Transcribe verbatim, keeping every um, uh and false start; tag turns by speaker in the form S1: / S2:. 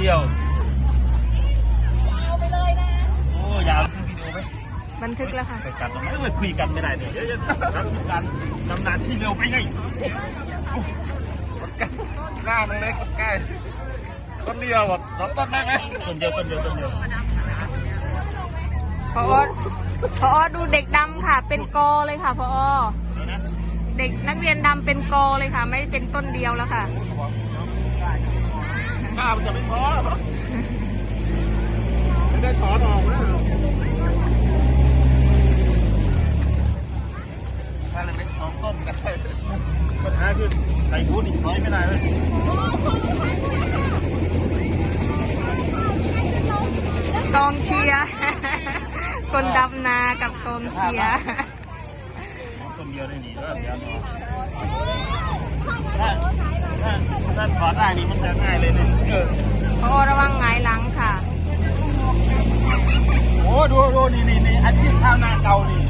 S1: ดียว
S2: เอาไปเลยนะ
S1: โอ้ยาวคือวิดีโอไหม
S2: บันทึกแล้วค่ะ
S1: ไปกันตรงไหนเออคุยกันไม่ได้เนี่ยเดี๋ยวจะทำการดำน้ำที่เร็วไปไง
S3: หน้ามันเล็กใกล้ต้นเดียวแบบสองต้นได้ไหม
S1: ต้นเดียวต้นเดียวต้นเดียว
S2: พอพอดูเด็กดำค่ะ เป็นกอเลยค่ะพอเด็กนักเรียนดำเป็นกอเลยค่ะ ไม่เป็นต้นเดียวแล้วค่ะ
S3: ข้าวจะไม่พอไม่ได้ถอนออกนะถ้าเล็กสองต้นกัน
S1: ปัญหาคือใส่พูดอีกน้อยไม่ได้เลย
S2: กองเชียร์คนดำนากับกองเชียร์
S1: คนเดียวได้หนีแล้วเดี๋ยวถ้าถ้าถ้าถอดได้นี่มันจะง่ายเลยเนี่ยเออ
S2: พอระวังหงายหลังค่ะ
S1: โอ้ดูดูนี่นี่นี่อาชีพข้าวนาเก่านี่